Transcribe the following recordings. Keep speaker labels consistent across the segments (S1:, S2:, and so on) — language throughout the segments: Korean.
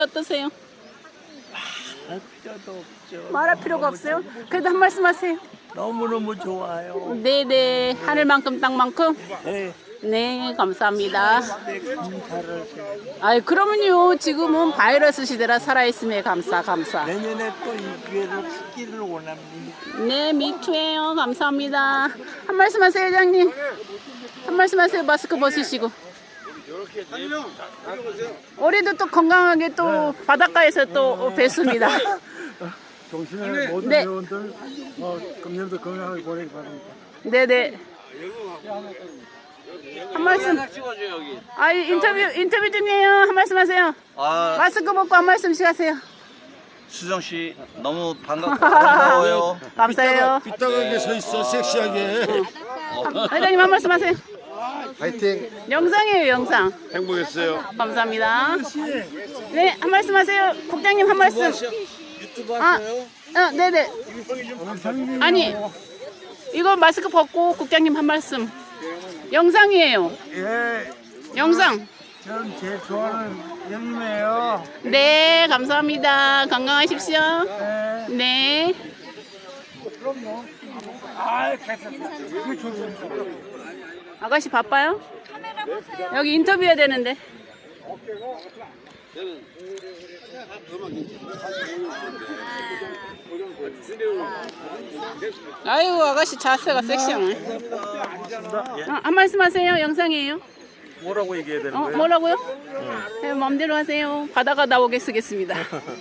S1: 어떠세요?
S2: 할 필요도 없죠.
S1: 말할 필요가 없어요? 그래도 한 말씀 하세요.
S2: 너무너무 좋아요.
S1: 네네. 하늘만큼 땅만큼?
S2: 네,
S1: 네, 감사합니다.
S2: 네, 감사를.
S1: 아이, 그러면요. 지금은 바이러스 시대라 살아있음에 감사.
S2: 내년에 또 이 기회를 갖기를 원합니다.
S1: 네, 미투예요. 감사합니다. 한 말씀 하세요, 회장님. 한 말씀 하세요. 마스크 벗으시고. 우리도 또 건강하게 또 바닷가에서 또 뵙습니다.
S3: 동시에 모든
S1: 네.
S3: 회원들 금년도 건강하게 보내기 바랍니다.
S1: 네네. 한 말씀. 아, 인터뷰 중이에요. 한 말씀 하세요. 마스크 벗고 한 말씀씩 하세요.
S4: 수정 씨 너무 반가워요.
S1: 감사해요.
S3: 삐딱하게 서 있어 섹시하게.
S1: 회장님 한 말씀 하세요.
S3: 파이팅.
S1: 영상이에요, 영상.
S3: 행복했어요.
S1: 감사합니다. 네, 한 말씀 하세요. 국장님 한 말씀.
S4: 유튜브
S1: 아, 네네. 아니, 이거 마스크 벗고 국장님 한 말씀. 영상이에요.
S3: 예,
S1: 영상.
S3: 저는 제일 좋아하는 형님이에요.
S1: 네, 감사합니다. 건강하십시오. 네. 아가씨 바빠요? 여기 인터뷰해야 되는데. 아이고, 아가씨 자세가 섹시하네. 한 말씀 하세요. 영상이에요.
S2: 뭐라고 얘기해야 되는 거예요?
S1: 뭐라고요? 네, 마음대로 하세요. 바다가 나오게 쓰겠습니다.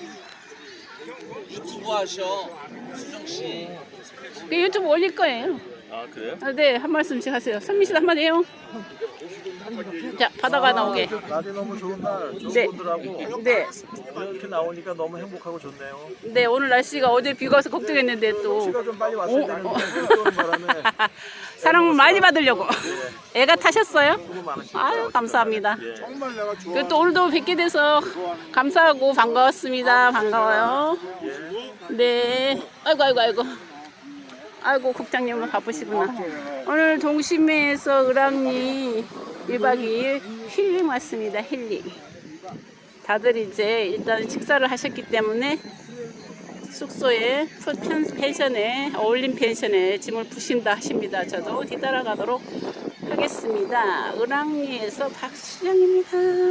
S4: 유튜브 하셔, 수정 씨.
S1: 유튜브 올릴 거예요.
S2: 아, 그래요?
S1: 네, 한 말씀씩 하세요. 선미 씨 한마디 해요. 자, 바다가 나오게.
S2: 날이 너무 좋은 날, 좋은
S1: 네.
S2: 분들하고
S1: 네,
S2: 이렇게 나오니까 너무 행복하고 좋네요.
S1: 네, 오늘 날씨가 어제 비가 와서 걱정했는데 또
S2: 시가 좀 빨리 왔어야 되는데 비 오는 바람에
S1: 사랑 많이 받으려고. 애가 타셨어요?
S2: 수고 많으시고.
S1: 아유, 감사합니다.
S3: 정말 내가 좋아.
S1: 그리고 또 오늘도 뵙게 돼서 감사하고 반가웠습니다. 반가워요. 네. 아이고. 아이고, 국장님은 바쁘시구나. 오늘 동심에서 을왕리 1박 2일 힐링 왔습니다. 힐링. 다들 이제 일단 식사를 하셨기 때문에 숙소에 펜션에 어울림 펜션에 짐을 푸신다 하십니다. 저도 뒤따라가도록 하겠습니다. 을왕리에서 박수정입니다.